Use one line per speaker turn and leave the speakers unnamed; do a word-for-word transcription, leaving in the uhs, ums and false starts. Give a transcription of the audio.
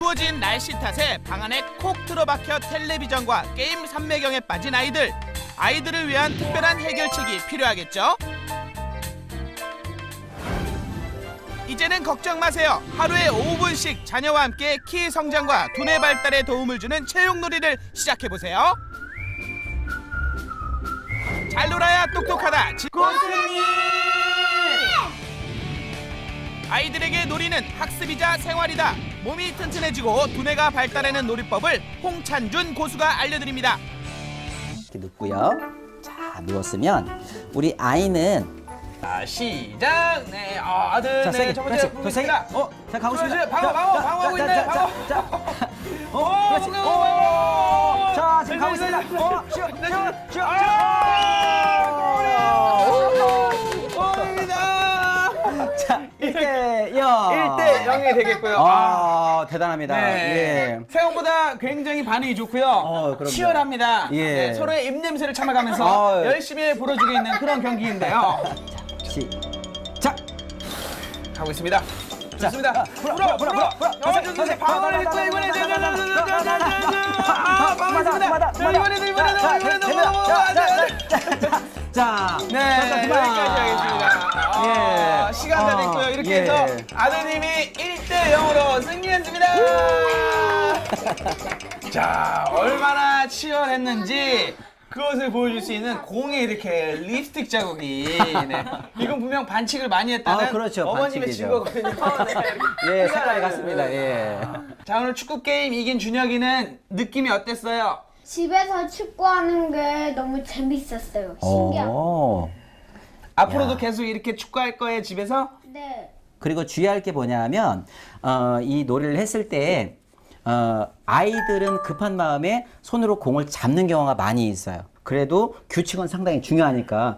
추워진 날씨 탓에 방 안에 콕 틀어박혀 텔레비전과 게임 삼매경에 빠진 아이들. 아이들을 위한 특별한 해결책이 필요하겠죠? 이제는 걱정 마세요. 하루에 오 분씩 자녀와 함께 키 성장과 두뇌 발달에 도움을 주는 체육놀이를 시작해보세요. 잘 놀아야 똑똑하다. 고스님! 아이들에게 놀이는 학습이자 생활이다. 몸이 튼튼해지고 두뇌가 발달하는 놀이법을 홍찬준 고수가 알려드립니다.
이렇게 눕고요. 자, 누웠으면 우리 아이는
자, 시작. 네, 아, 아들,
자,
네,
세게,
첫 번째
그렇지, 더 세게.
보겠습니다.
어, 자, 가고 싶으면
방어, 방어, 방어하고
자,
있네.
자,
방어.
자, 자, 어, 그렇지.
오,
오, 자, 지금
네,
가고
네,
있습니다.
네, 네.
어, 슈, 슈, 슈, 자, 일 대 영.
일 대 영이 되겠고요.
아, 대단합니다.
네.
예.
생각보다 굉장히 반응이 좋고요.
어, 그럼요.
치열합니다.
예.
네, 서로의 입냄새를 참아가면서
어.
열심히 불어주고 있는 그런 경기인데요.
시작.
가고 있습니다.
자,
좋습니다.
불어,
불어,
불어,
불어.
불어, 불어.
어, 좋습니다. 방어를 했고 이번에 아, 방어했습니다. 자, 이번에도 이번에도 이번에도
자,
네, 여기까지 하겠습니다. 아,
예.
시간 다
어,
됐고요. 이렇게
예.
해서 아드님이 일 대 영으로 승리했습니다. 자, 얼마나 치열했는지 그것을 보여줄 수 있는 공에 이렇게 립스틱 자국이. 네. 이건 분명 반칙을 많이 했다는
아, 그렇죠.
어머님의
반칙이죠.
증거거든요. 네.
예, 색깔이 같습니다. 예.
자, 오늘 축구 게임 이긴 준혁이는 느낌이 어땠어요?
집에서 축구하는 게 너무 재밌었어요. 신기하고.
오.
앞으로도
야.
계속 이렇게 축구할 거예요, 집에서?
네.
그리고 주의할 게 뭐냐면 어, 이 놀이를 했을 때 어, 아이들은 급한 마음에 손으로 공을 잡는 경우가 많이 있어요. 그래도 규칙은 상당히 중요하니까